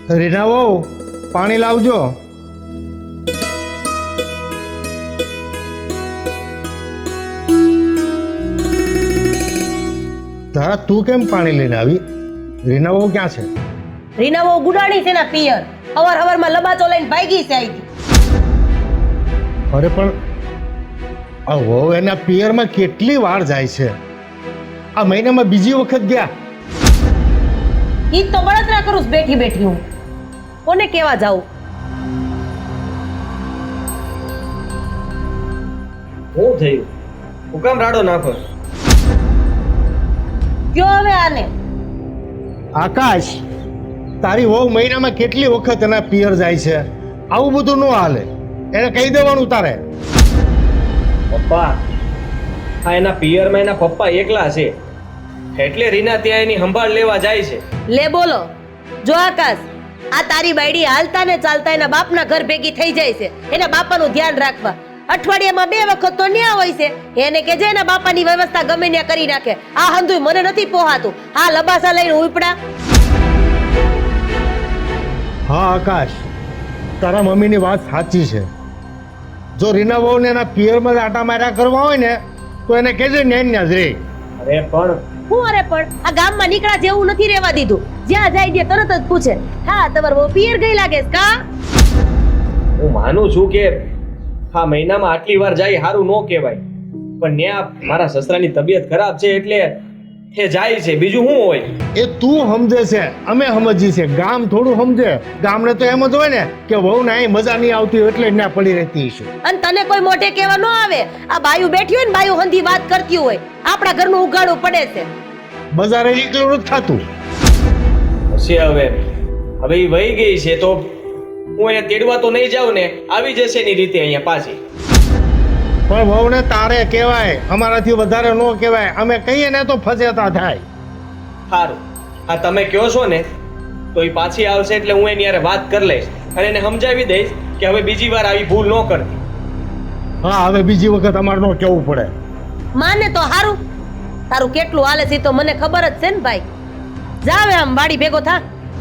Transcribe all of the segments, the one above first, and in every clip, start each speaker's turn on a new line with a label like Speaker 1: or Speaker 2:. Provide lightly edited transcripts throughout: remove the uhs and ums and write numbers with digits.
Speaker 1: રીના વહુ પાણી લાવજો. તારા તું કેમ પાણી લઈને આવી? રીના વહુ ક્યાં છે?
Speaker 2: રીના બહુ ગુડાણી છે ને પિયર. હવારમાં લબાચો લઈને ભાગી છે અહીંથી.
Speaker 1: અરે પણ આ વહુ એના પિયરમાં કેટલી વાર જાય છે? આ મહિનામાં બીજી વખત ગયા.
Speaker 2: ઈ જ તો બળતરા કરું છું બેઠી બેઠી હું. કોને કેવા જાઉં?
Speaker 3: શું થયું? હું કામ રાડો નાખો?
Speaker 2: કયો હવે આને?
Speaker 1: આકાશ, તારી વહુ મહિનામાં કેટલી વખત એના પિયર જાય છે? આવું બધું ન હાલે. એને કહી દેવાનું તારે.
Speaker 3: પપ્પા, આ એના પિયરમાં એના પપ્પા એકલા છે એટલે રીના ત્યાં એની સંભાળ લેવા જાય છે.
Speaker 2: લે બોલો. જો આકાશ, આ તારી બાયડી હાલતા ને ચાલતા એના બાપના ઘર ભેગી થઈ જાય છે. એના બાપાનું ધ્યાન રાખવા. અઠવાડિયામાં 2 વખત તો ન્યા હોય છે. એને કે જે એના બાપાની વ્યવસ્થા ગમે ત્યાં કરી નાખે. આ હંધુય મને નથી પોહાતું. આ લબાસા લઈને ઉપડા.
Speaker 1: હા આકાશ, તારા મમ્મીની વાત સાચી છે. જો રીના વહુને એના પિયરમાં આટા માર્યા કરવા હોય ને તો એને કહેજે ન્યા જ રે.
Speaker 3: અરે પણ
Speaker 2: હું અરે પણ આ ગામમાં નીકળા જેવું નથી રહેવા દીધું. જ્યાં જાય ત્યાં તરત જ પૂછે, હા તમારો બહુ પિયર ગઈ લાગે છે કા?
Speaker 3: હું માનું છું કે આ મહિનામાં આટલી વાર જાય સારું ન કહેવાય, પણ ત્યાં મારા સસરાની તબિયત ખરાબ છે એટલે એ જાય છે. બીજું શું હોય?
Speaker 1: એ તું સમજે છે, અમે સમજી છે. ગામ થોડું સમજે. ગામને તો એમ જ હોય ને કે વહુને અહીં મજા નહીં આવતી હોય એટલે ત્યાં પડી રહેતી છે.
Speaker 2: અને તને કોઈ મોઢે કહેવા ન આવે. આ બાયું બેઠી હોય ને બાયું હંધી વાત કરતી હોય. આપણા ઘરનું ઉગાડવું પડે છે.
Speaker 1: બજારે નીકળવું નથી થતું.
Speaker 3: હશે હવે એ વહી ગઈ છે તો હું એને તેડવા તો નહીં જાઉં ને. આવી જશે એની રીતે અહીંયા પાછી.
Speaker 1: પણ વહુને તારે કહેવાય, અમારાથી વધારે ન કહેવાય. અમે કહીએ ને તો ફસેતા થાય.
Speaker 3: સારું, હા તમે કહો છો ને તો એ પાછી આવશે એટલે હું એની યારે વાત કરી લઈશ અને એને સમજાવી દઈશ કે હવે બીજી વાર આવી ભૂલ ન કરતી.
Speaker 1: હા, હવે બીજી વખત અમારે ન કહેવું પડે.
Speaker 2: માને તો હારું. તારું કેટલું હાલે છે તો મને ખબર જ છે ને ભાઈ. જાવે આમ વાડી ભેગો થા.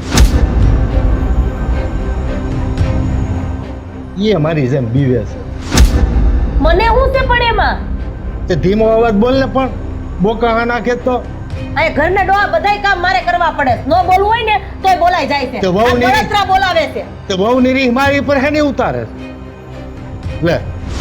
Speaker 1: એ અમારી જેમ બીવે છે.
Speaker 2: મને હું છે પણ એમાં?
Speaker 1: તે ધીમો અવાજ બોલ ને. પણ બોકા હા નાખે તો
Speaker 2: આ ઘરના ડોહા બધાય કામ મારે કરવા પડે. નો બોલવું હોય ને તોય બોલાઈ જાય છે.
Speaker 1: તો વહુ
Speaker 2: આ
Speaker 1: ની-
Speaker 2: બળતરા બોલાવે છે.
Speaker 1: તે વહુ ની મારી પર હે નહીં ઉતારે. લે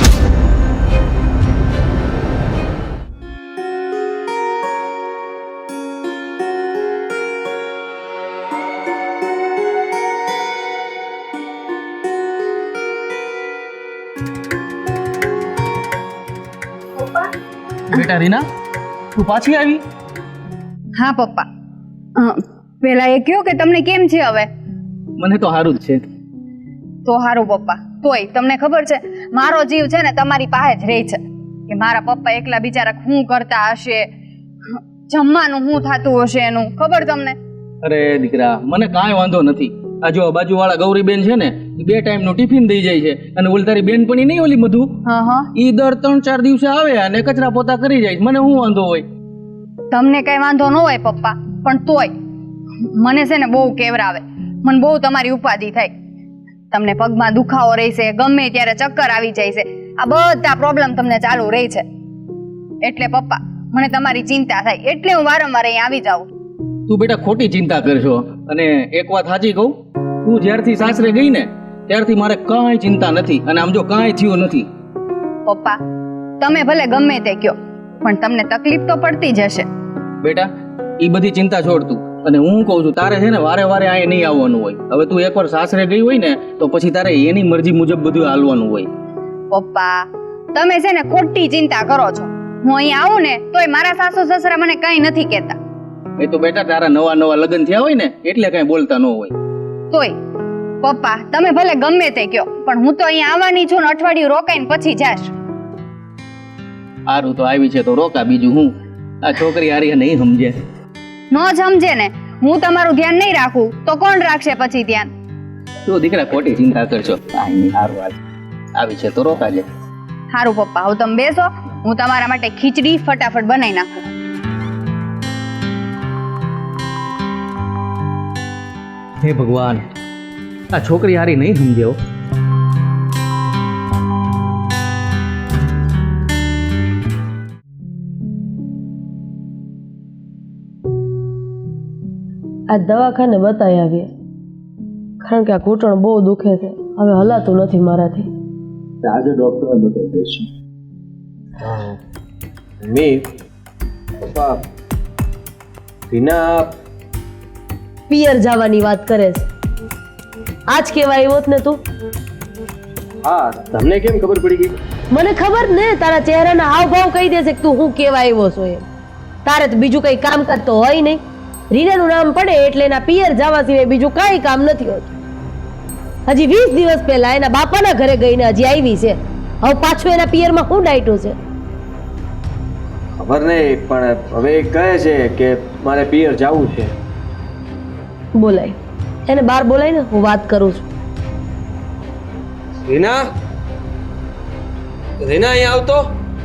Speaker 4: બેટા રીના, તું પાછી આવી?
Speaker 5: હા પપ્પા, પેલા એ કયો કે તમને કેમ છે હવે?
Speaker 4: મને તો સારું જ છે.
Speaker 5: તો હારું પપ્પા. તોય તમને ખબર છે મારો જીવ છે ને તમારી પાસે જ રહે છે કે મારા પપ્પા એકલા બિચારા શું કરતા હશે, જમવાનું શું થતું હશે એનું ખબર તમને?
Speaker 4: અરે દીકરા, મને કાંઈ વાંધો નથી. આ જો બાજુવાળા ગૌરીબેન છે ને, એ 2 ટાઈમનું ટિફિન દઈ જાય છે. અને ઓલી તારી બેનપણી નહીં ઓલી મધુ,
Speaker 5: હા,
Speaker 4: ઈ દર 3-4 દિવસે આવે અને કચરા પોતા કરી જાય. મને શું વાંધો હોય?
Speaker 5: તમને કઈ વાંધો ન હોય પપ્પા, પણ તોય મને છે ને બહુ કેવરાવે. મને બહુ તમારી ઉપાધિ થાય. તમને પગમાં દુખાવો રહે છે, ગમે ત્યારે ચક્કર આવી જાય છે. આ બધા પ્રોબ્લેમ તમને ચાલુ રહે છે. એટલે પપ્પા મને તમારી ચિંતા થાય એટલે હું વારંવાર અહીં આવી જાઉં.
Speaker 4: તું બેટા ખોટી ચિંતા કરશો. અને એક વાત સાચી કહું, તું જ્યારથી સાસરે ગઈ ને ત્યારથી મારે કાંઈ ચિંતા નથી. અને આમ જો કાંઈ થયું નથી.
Speaker 5: પપ્પા તમે ભલે ગમે તે કયો, પણ તમને તકલીફ તો પડતી જ હશે.
Speaker 4: બેટા એ બધી ચિંતા છોડ તું. અને હું કહું છું તારે છે ને વારે વારે અહીં નહીં આવવાનું હોય. હવે તું એકવાર સાસરે ગઈ હોય ને તો પછી તારે એની મરજી મુજબ બધું હાલવાનું હોય.
Speaker 5: પપ્પા તમે છે ને ખોટી ચિંતા કરો છો. હું અહીં આવું ને તોય મારા સાસુ સસરા મને કંઈ નથી કહેતા.
Speaker 4: એ તો બેટા તારા નવા લગ્ન થયા હોય ને એટલે કઈ બોલતા ન હોય.
Speaker 5: તોય પપ્પા તમે ભલે ગમે તે કયો, પણ હું તો અહીં આવવાની છું ને અઠવાડિયું રોકાઈને પછી જાશ.
Speaker 4: સારું તો આવી છે તો રોકા. બીજું હું, આ છોકરી હારી નહીં સમજે.
Speaker 5: ન સમજે ને, હું તમારું ધ્યાન નહીં રાખું તો કોણ રાખશે પછી ધ્યાન?
Speaker 4: તું દીકરા ખોટી ચિંતા કરશો. કાંઈ નહીં, સારું હાલ. આવી છે તો રોકાજે.
Speaker 5: સારું પપ્પા, હવે તમે બેસો, હું તમારા માટે ખીચડી ફટાફટ બનાવી નાખું.
Speaker 4: હે ભગવાન, આ છોકરી હારી નહીં સમજે હો.
Speaker 2: આ દવાખાને બતાવી આવીએ, કારણ કે આ ઘૂંટણ બહુ દુખે છે, હવે હલાતું નથી મારાથી.
Speaker 6: આજે ડોક્ટરને બતાવી દઈશું.
Speaker 3: મમ્મી પપ્પા રીના
Speaker 2: પિયર જવાની વાત કરે છે. આજ કેવા આવ્યો જ ને તું?
Speaker 3: હા તમને કેમ ખબર પડી ગઈ?
Speaker 2: મને ખબર ને, તારા ચહેરાના હાવભાવ કહી દેશે કે તું હું કેવા આવ્યો છો એમ. તારે તો બીજું કઈ કામ કરતો હોય નહીં. રીનાનું નામ પડે એટલે એના પિયર જવા સિવાય બીજું કાંઈ કામ નથી હોતું. હજી 20 દિવસ પહેલા એના બાપાના ઘરે ગઈને હજી આવી છે. હવે પાછું એના પિયરમાં શું ડાયટું છે?
Speaker 3: ખબર નહીં, પણ હવે એ કહે છે કે મારે પિયર જવું છે.
Speaker 2: બોલાય એને બહાર બોલાય ને, હું વાત કરું છું.
Speaker 3: રીના રીના અહીંયા આવતો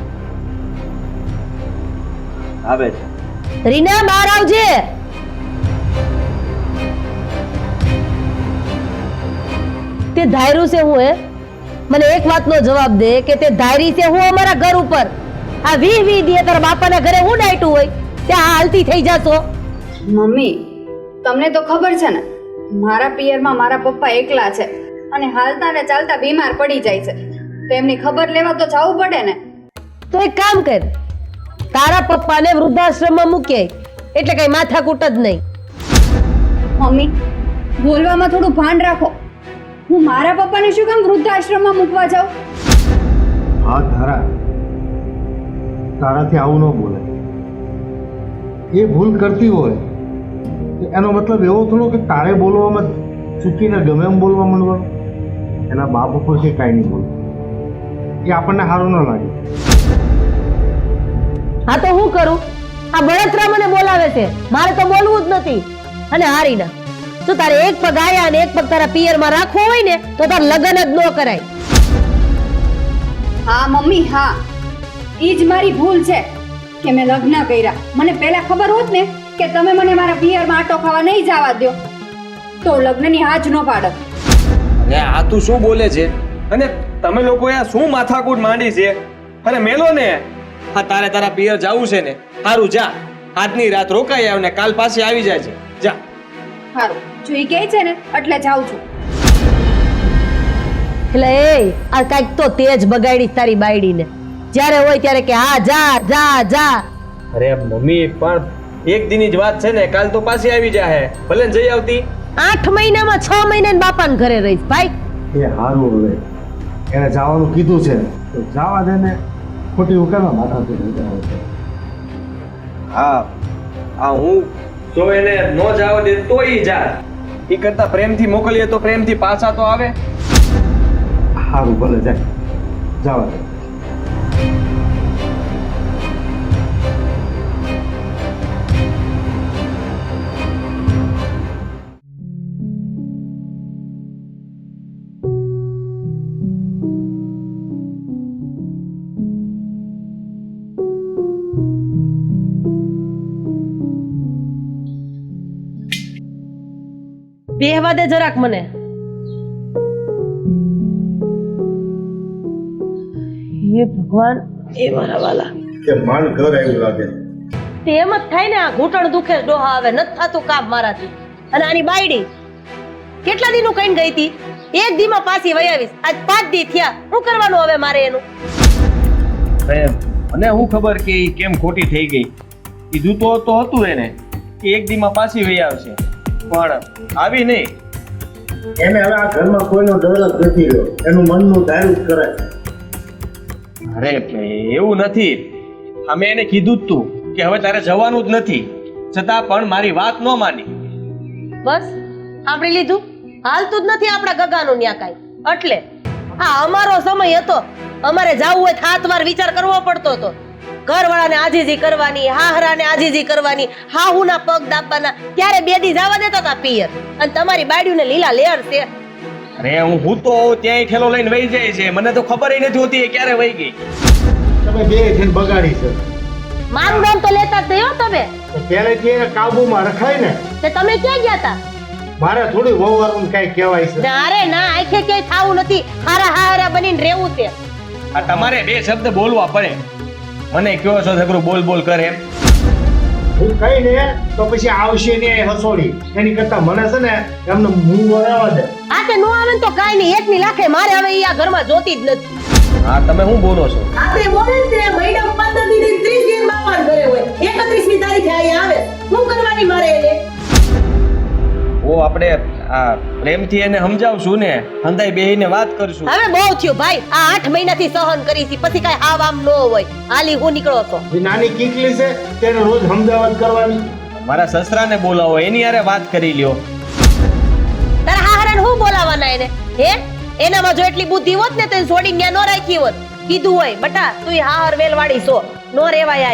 Speaker 3: આવે છે.
Speaker 2: રીના બહાર આવજે. તે ધાર્યું છે હું મને એક વાતનો જવાબ દે કે તે ધારી છે હું અમારા ઘર ઉપર આ 20 દી તારા બાપાના ઘરે હું ડાયટું હોય ત્યાં હાલતી થઈ જાશો?
Speaker 5: મમ્મી, તમને તો ખબર છે ને, મારા પિયરમાં મારા પપ્પા એકલા છે અને હાલતા ને ચાલતા બીમાર પડી જાય છે, તો એમની ખબર લેવા તો જવું પડે ને.
Speaker 2: તો એક કામ કર, તારા પપ્પાને વૃદ્ધાશ્રમમાં મૂકી આય, એટલે કઈ માથાકૂટ જ નહીં.
Speaker 5: મમ્મી, બોલવામાં થોડું ભાન રાખો. હું મારા પપ્પાને શું કામ વૃદ્ધાશ્રમમાં મૂકવા જાઉં?
Speaker 1: હા ધારા, તારાથી આવું ન બોલે. એ ભૂલ કરતી હોય તો એનો મતલબ એવો થોડો કે તારે બોલવામાં ચૂકીને ગમે એમ બોલવા માંડવાનું. એના બાપ ઉપર છે કાંઈ નહીં બોલવું, એ આપણને સારું ન લાગે.
Speaker 2: હા તો હું કરું? આ બળતરા મને બોલાવે છે, મારે તો બોલવું જ નથી. અને હારીના જો તારે એક પગ આયા અને એક પગ તારા પિયરમાં રાખવો હોય ને તો તાર લગ્ન જ ન કરાય.
Speaker 5: હા મમ્મી, હા, ઈ જ મારી ભૂલ છે કે મેં લગ્ન કર્યા. મને પહેલા ખબર હોત ને કે તમે મને મારા પિયરમાં આટો ખાવા નહીં જવા દો તો લગ્નની હાજ ન પાડત.
Speaker 3: અરે આ તું શું બોલે છે? અને તમે લોકો આ શું માથાકૂટ માંડી છે? અરે મેલો ને, હા તારે તારા પિયર જવું છે ને, સારું જા, આજની રાત રોકાઈ આવ ને કાલ પાછી આવી જાય છે. જા.
Speaker 5: સારું, જો ઈ કહે છે ને એટલે જાઉં છું.
Speaker 2: એટલે એ આ કાંઈક તો તેજ બગાડી તારી બાયડીને. જ્યારે હોય ત્યારે કે હા જા જા જા.
Speaker 3: અરે મમ્મી પણ એક દિનની જ વાત છે ને, કાલ તો પાછી આવી જાય, ભલે ને જઈ આવતી.
Speaker 2: 8 મહિનામાં 6 મહિના બાપાને ઘરે રહીશ ભાઈ.
Speaker 1: એ સારું, હવે એને જવાનું કીધું છે તો જવા દે ને, ખોટી ઉકેલમાં માથા છે.
Speaker 3: હા આ હું જો એને નો જવા દે તો ઈ જા, ઈ કરતા પ્રેમથી મોકલીએ તો પ્રેમથી પાછા તો આવે.
Speaker 1: સારું, ભલે જાય, જવા દે.
Speaker 2: બેહવા દે જરાક મને. હે ભગવાન, એ મારા વાલા,
Speaker 1: કે માન ઘર આવ્યું લાગે.
Speaker 2: તે એમ જ થાય ને, આ ઘૂંટણ દુખે, ડોહા આવે, નથી થતું કામ મારાથી. અને આની બાયડી કેટલા દીનું કઈ ગઈ હતી, એક દીમાં પાછી વહી આવીશ. આજ 5 દી થયા, શું કરવાનું હવે મારે એનું?
Speaker 3: મને હું ખબર કે ઈ કેમ ખોટી થઈ ગઈ. કીધું તો હતું એને કે એક દીમાં પાછી વહી આવશે, પણ આવી નહીં.
Speaker 1: એને હવે આ ઘરમાં કોઈનો ડર જ નથી રહ્યો, એનું મનનું ધાર્યું જ કરે.
Speaker 3: અરે એવું નથી, અમે એને કીધું જ તું કે હવે તારે જવાનું જ નથી, છતાં પણ મારી વાત ન માની.
Speaker 2: બસ સાંભળી લીધું? હાલતું જ નથી આપણા ગગાનું ન્યા કાંઈ. એટલે આ અમારો સમય હતો, અમારે જાવું હોય 7 વાર વિચાર કરવો પડતો હતો. ઘરવાળાને આજીજી કરવાની, હાહરાને આજીજી કરવાની, હાહુના પગ દાબવાના, ત્યારે 2 દી જવા દેતા હતા પિયર. અને તમારી બાયડીને લીલા લેર છે.
Speaker 3: અરે હું તો ત્યાંય ઠેલો લઈને વહી જાય છે, મને તો ખબર નથી હોતી એ ક્યારે વહી ગઈ.
Speaker 1: તમે બે થઈને બગાડી છે.
Speaker 2: મારું નામ તો લેતા જ નહીં હો તમે.
Speaker 1: તો પહેલેથી એને કાબુમાં રખાય ને.
Speaker 2: તે તમે ક્યાં ગયા હતા?
Speaker 1: મારે થોડી વહુવારું કાંઈ કહેવાય છે
Speaker 2: ના રે ના આખે ક્યાંય થાવું નથી હારા હારા બનીને રહેવું છે
Speaker 3: આ તમારે બે શબ્દ બોલવા પડે મને કયો છો છોકરું બોલ બોલ કરે એમ
Speaker 1: હું કઈ ને તો પછી આવશે ને હસોડી એની કરતા મને છે ને એમને મૂળ વરાવા દે
Speaker 2: આ તે નો આવે ને તો કાઈ નહીં એકની લાખે મારે હવે ઈ આ ઘરમાં જોતી જ નથી
Speaker 3: હા તમે શું બોલો છો
Speaker 2: આપણે બોલે છે મહિના 15 દી 30 દી બાપાને ઘરે હોય 31મી તારીખે અહીંયા આવે શું કરવાની મારે એને
Speaker 3: ઓ આપણે આ પ્રેમથી એને સમજાવશું ને હંધાઈ બેહીને વાત કરશું
Speaker 2: હવે બહુ થયું ભાઈ આ 8 મહિનાથી સહન કરી છે પછી કાઈ હાવ આમ ન હોય હાલી હું નીકળો તો
Speaker 1: જે નાની કીકલી છે તેને રોજ હમદાવાદ કરવાની
Speaker 3: મારા સસરાને બોલાવો એની હારે વાત કરી લ્યો
Speaker 2: તારા હાહરાને હું બોલાવાના એને હે એનામાં જો એટલી બુદ્ધિ હોત ને તો એને છોડીને ન્યા ન રાખી હોત કીધું હોય બટા તું હાહર વેલવાડી છો નો રેવાય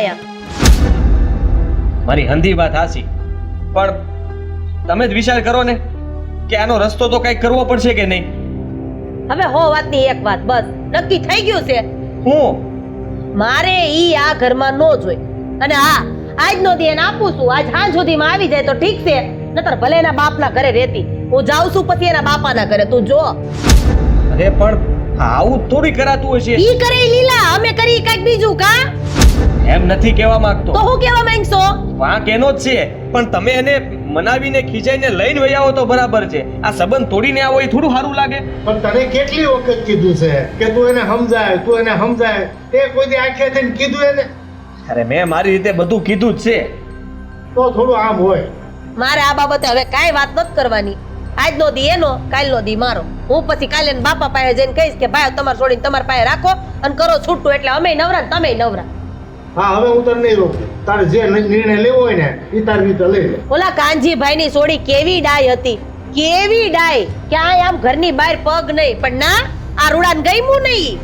Speaker 2: આયા
Speaker 3: મારી હંધી વાત હાસી પણ તમે જ વિચાર કરો ને કે આનો રસ્તો તો કઈ કરવો પડશે કે નહીં
Speaker 2: હવે હો વાતની એક વાત બસ નક્કી થઈ ગયું છે
Speaker 3: હું
Speaker 2: મારે ઈ આ ઘરમાં નો જોઈ અને હા આજનો દી એને આપું છું આજ સાંજ સુધીમાં આવી જાય તો ઠીક છે નતર ભલે એના બાપના ઘરે રહેતી હું જાઉં છું પછી એના બાપાના ઘરે તું જો
Speaker 3: અરે પણ આવું થોડી કરાતું હશે
Speaker 2: ઈ કરે ઈ લીલા અમે કરી કઈક બીજું કા
Speaker 3: એમ નથી કહેવા માંગતો
Speaker 2: તો હું કેવા માંગશો
Speaker 3: વાંક એનો જ છે પણ તમે એને મનાવીને ખીજાઈને લઈને વહી આવો તો બરાબર છે આ સંબંધ તોડીને આવો એ થોડું સારું લાગે
Speaker 1: પણ તને કેટલી વખત કીધું છે કે તું એને સમજાય તે કોઈ દી આંખે થઈને કીધું એને
Speaker 3: અરે મેં મારી રીતે બધું કીધું જ છે
Speaker 1: તો થોડું આમ હોય
Speaker 2: મારે આ બાબતે હવે કાંઈ વાત નથી કરવાની આજનો દી એનો કાલનો દી મારો હું પછી કાલે એના બાપા પાસે જઈને કહીશ કે ભાઈ તમારે છોડીને તમારા પાસે રાખો અને કરો છૂટું એટલે અમે નવરા ને તમે નવરા
Speaker 1: હા હવે હું તને નહીં રોકું તારે જે નિર્ણય લેવો હોય ને એ તારી રીતે લઈ લે
Speaker 2: ઓલા કાનજીભાઈ ની સોડી કેવી ડાય હતી કેવી ડાય ક્યાંય આમ ઘરની બહાર પગ નહીં પણ ના આ રૂડાન ગયમું નહીં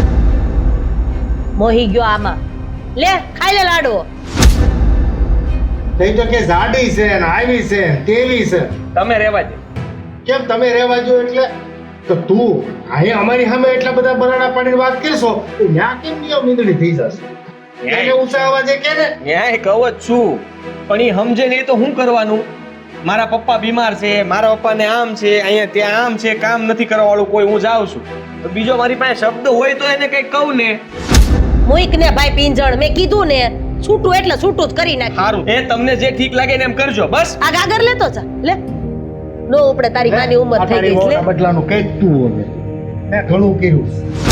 Speaker 2: મોહી ગયો આમાં લે ખાઈ લે લાડવો
Speaker 1: તઈ તો કે જાડી છે ને આવી છે ને તેવી છે
Speaker 3: તમે રહેવા દે
Speaker 1: કેમ તમે રહેવા જો એટલે તો તું અહીંયા અમારી સામે એટલા બધા બરાડા પાડીને વાત કરશો તો ન્યા કેમ નિયમ મીંદડી થઈ જશે એને ઊંચા અવાજે કે ને
Speaker 3: ન્યાય કહું જ છું પણ એ સમજે નહીં તો શું કરવાનું મારા પપ્પા બીમાર છે મારા પપ્પાને આમ છે અહીંયા ત્યાં આમ છે કામ નથી કરવા વાળું કોઈ હું જાઉં છું તો બીજો મારી પાસે શબ્દ હોય તો એને કઈ કહું ને
Speaker 2: મુઈક ને ભાઈ પિંજણ મેં કીધું ને છૂટું એટલે છૂટું જ કરી નાખ
Speaker 3: સારું એ તમને જે ઠીક લાગે ને એમ કરજો બસ
Speaker 2: આ ગાગર લેતો જા લે નો ઉપડે તારી માની ઉંમર થઈ ગઈ છે લે
Speaker 1: બદલાનું કઈ તું હવે મેં ઘણું કર્યું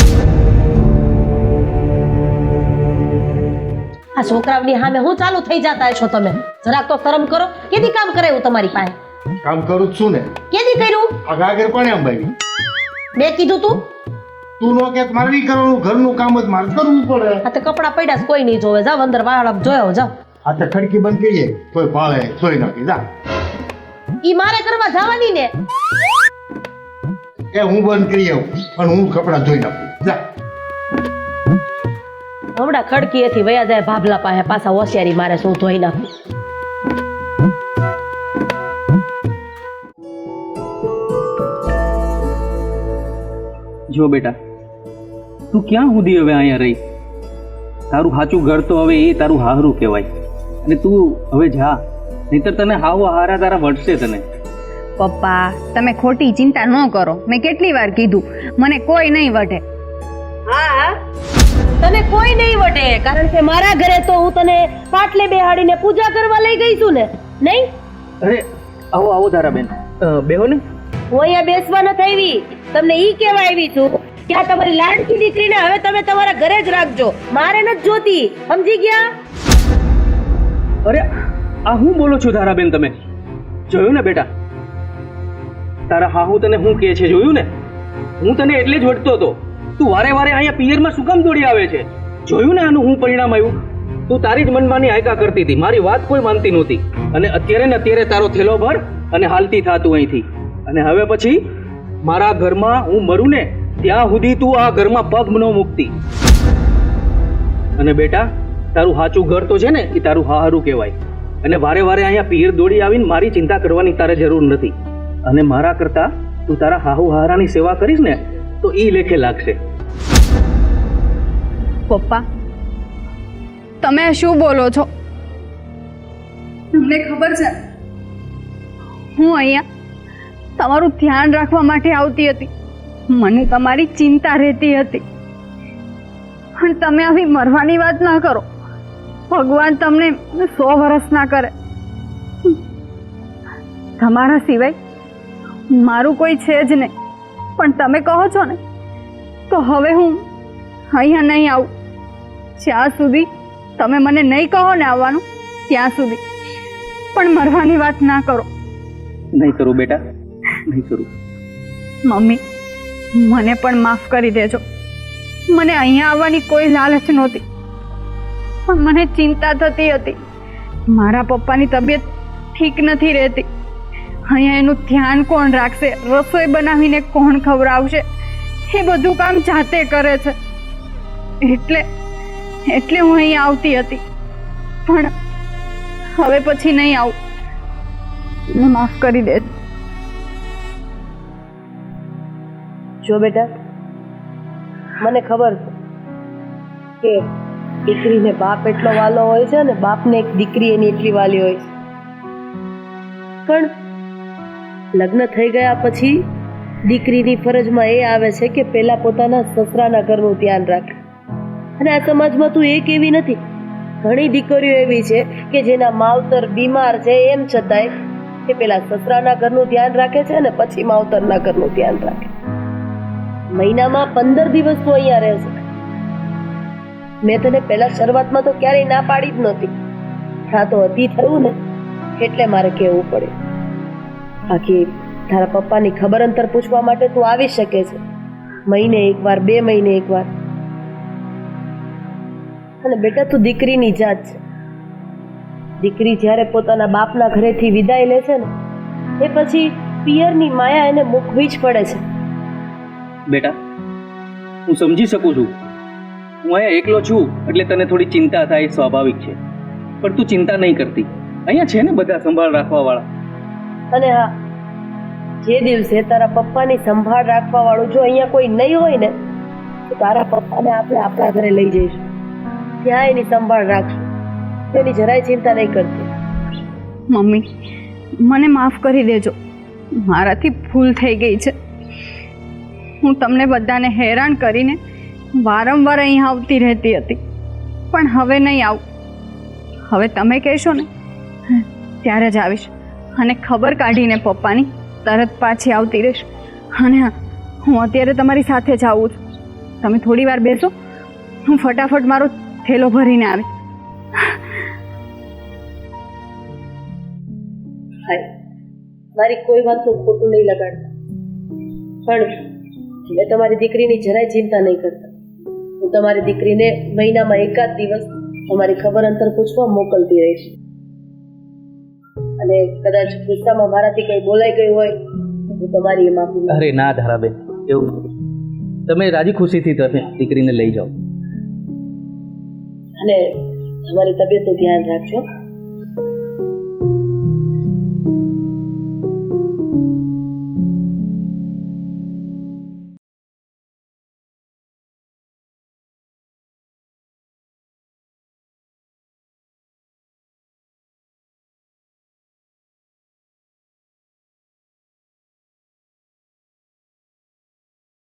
Speaker 2: આ છોકરાઓની સામે હું ચાલુ થઈ જતા છો તમે જરાક તો શરમ કરો કેદી કામ કરાયું તમારી પાસે
Speaker 1: કામ કરું જ છું ને
Speaker 2: કેદી કર્યું
Speaker 1: આ ગાગર કોને અંબાવી
Speaker 2: મેં કીધું તું
Speaker 1: તું નો કે મારે નહીં કરવાનું ઘરનું કામ જ મારે કરવું પડે
Speaker 2: આ તે કપડા પડ્યા છે, કોઈ નહીં જોવે જાવ અંદર વાળા જોયો જાવ
Speaker 1: આ તો ખડકી બંધ કરીએ કોઈ પાળે સોઈ નાખી જા
Speaker 2: ઈ મારે કરવા જવાની ને
Speaker 1: એ હું બંધ કરી આવું અને હું કપડા ધોઈ નાખું જા
Speaker 2: હમણાં ખડકી એથી વયા જાય ભાભલા પાસે પાછા હોશિયારી મારે શું ધોઈ નાખું
Speaker 4: જો બેટા તું ક્યાં સુધી હવે અહીંયા રહી તારું સાચું ઘર તો હવે એ તારું હાહરું કહેવાય અને તું હવે જા નહીતર તને હાવ હારા તારા વટશે તને
Speaker 5: પપ્પા તમે ખોટી ચિંતા ન કરો મેં કેટલી વાર કીધું મને કોઈ નહીં વઢે
Speaker 2: હા તને કોઈ નહીં વટે કારણ કે મારા ઘરે તો હું તને પાટલે બેહાડીને પૂજા કરવા લઈ ગઈ છું ને નહીં
Speaker 4: અરે આવો આવો તારા બેન બેહો ને
Speaker 2: હું અહીંયા બેસવા નથી આવી તમને ઈ કહેવા આવી છું કે આ તમારી લાડકી દીકરીને હવે તમે તમારા ઘરે જ રાખજો મારે નથી જોતી સમજી ગયા
Speaker 4: અરે આ હું બોલો છો તારા બેન તમે જોયું ને બેટા તારા હા હું તને હું કહે છે જોયું ને હું તને એટલે જ વટતો હતો તું વારે વારે અહીંયા પિયરમાં શું કામ દોડી આવે છે જોયું ને આનું હું પરિણામ આવ્યું તું તારી જ મનમાની આયકા કરતી હતી મારી વાત કોઈ માનતી નહોતી અને અત્યારે ને અત્યારે તારો થેલો ભર અને હાલતી થા તું અહીંથી અને હવે પછી મારા ઘરમાં હું મરું ને ત્યાં સુધી તું આ ઘરમાં પગ ન મૂકતી અને બેટા તારું સાચું ઘર તો છે ને એ તારું હારું કહેવાય અને વારે વારે અહીંયા પિયર દોડી આવીને મારી ચિંતા કરવાની તારે જરૂર નથી અને મારા કરતા તું તારા હાહુ હારાની સેવા કરીશ ને તો ઈ લેખે લાગશે
Speaker 5: પપ્પા તમે શું બોલો છો તમને ખબર છે હું અહીંયા તમારું ધ્યાન રાખવા માટે આવતી હતી. મને તમારી ચિંતા રહેતી હતી. પણ તમે આવી મરવાની વાત ના કરો. ભગવાન તમને 100 વર્ષ ના કરે. તમારા સિવાય મારું કોઈ છે જ નહીં. પણ તમે કહો છો ને તો હવે હું અહીંયા નહીં આવું. જ્યાં સુધી તમે મને નહીં કહો ને આવવાનું ત્યાં સુધી. પણ મરવાની વાત ના કરો.
Speaker 4: નહીં કરું બેટા, નહીં કરું.
Speaker 5: મમ્મી, મને પણ માફ કરી દેજો. મને અહીંયા આવવાની કોઈ લાલચ નહોતી, પણ મને ચિંતા થતી હતી. મારા પપ્પાની તબિયત ઠીક નથી રહેતી. અહીંયા એનું ધ્યાન કોણ રાખશે? રસોઈ બનાવીને કોણ ખવડાવશે? એ બધું કામ જાતે કરે છે. એટલે હું અહીં આવતી હતી. પણ હવે પછી નહીં આવું. મને માફ કરી દે.
Speaker 2: જો બેટા, મને ખબર છે કે દીકરીને બાપ એટલો વાલો હોય છે ને બાપને એક દીકરી એની એટલી વાલી હોય છે. પણ લગ્ન થઈ ગયા પછી દીકરીની ફરજમાં એ આવે છે કે પહેલા પોતાના સસરાના ઘરનું ધ્યાન રાખે. અને આ સમાજમાં તું એક એવી નથી, ઘણી દીકરીઓ એવી છે કે જેના માવતર બીમાર છે એમ છતાંય એ પહેલા સસરાના ઘરનું ધ્યાન રાખે છે અને પછી માવતરના ઘરનું ધ્યાન રાખે. મહિનામાં 15 દિવસ તું અહીંયા રહે છે. મેં તને પહેલા શરૂઆતમાં તો ક્યારેય ના પાડી જ નહોતી. હા તો અતિ થયું ને એટલે મારે કહેવું પડે. બાકી તારા પપ્પાની ખબર અંતર પૂછવા માટે તું આવી શકે છે, મહિને એકવાર, 2 મહિને એકવાર. અને બેટા, તું દીકરીની જાત છે. દીકરી જ્યારે પોતાના બાપના ઘરેથી વિદાય લે છે ને એ પછી પિયરની માયા એને મૂકવી જ પડે છે.
Speaker 4: બેટા, હું સમજી શકું છું. હું અહીંયા એકલો છું એટલે તને થોડી ચિંતા થાય, સ્વાભાવિક છે. પણ તું ચિંતા નહીં કરતી. અહીંયા છે ને બધા સંભાળ રાખવા વાળા.
Speaker 2: અને હા, જે દિવસે તારા પપ્પાની સંભાળ રાખવા વાળું જો અહીંયા કોઈ નહીં હોય ને તો તારા પપ્પાને આપણે આપણા ઘરે લઈ જઈશું. ત્યાં એની સંભાળ રાખશું. તેની જરાય ચિંતા નહીં કરતી.
Speaker 5: મમ્મી, મને માફ કરી દેજો. મારાથી ભૂલ થઈ ગઈ છે. હું તમને બધાને હેરાન કરીને વારંવાર અહીં આવતી રહેતી હતી. પણ હવે નહીં આવું. હવે તમે કહેશો ને ત્યારે જ આવીશ. અને ખબર કાઢીને પપ્પાની તરત પાછી આવતી રહીશ. અને હા, હું અત્યારે તમારી સાથે જ આવું છું. તમે થોડી વાર બેસો, હું ફટાફટ મારો થેલો ભરીને આવી.
Speaker 2: હાય, મારી કોઈ વાતનું ખોટું નહીં લગાડતા. પણ મેં તમારી દીકરીની જરાય ચિંતા નહીં કરતા. હું તમારી દીકરીને મહિનામાં એકાદ દિવસ તમારી ખબર અંતર પૂછવા મોકલતી રહીશ. અને કદાચ ગુસ્સામાં મારાથી કંઈ બોલાઈ ગયું હોય તો તમારી એ માફી માંગુ.
Speaker 4: અરે ના ધારાબેન, એવું તમે રાજી ખુશીથી તમે દીકરીને લઈ જાઓ.
Speaker 2: અને તમારી તબિયતનું ધ્યાન રાખજો.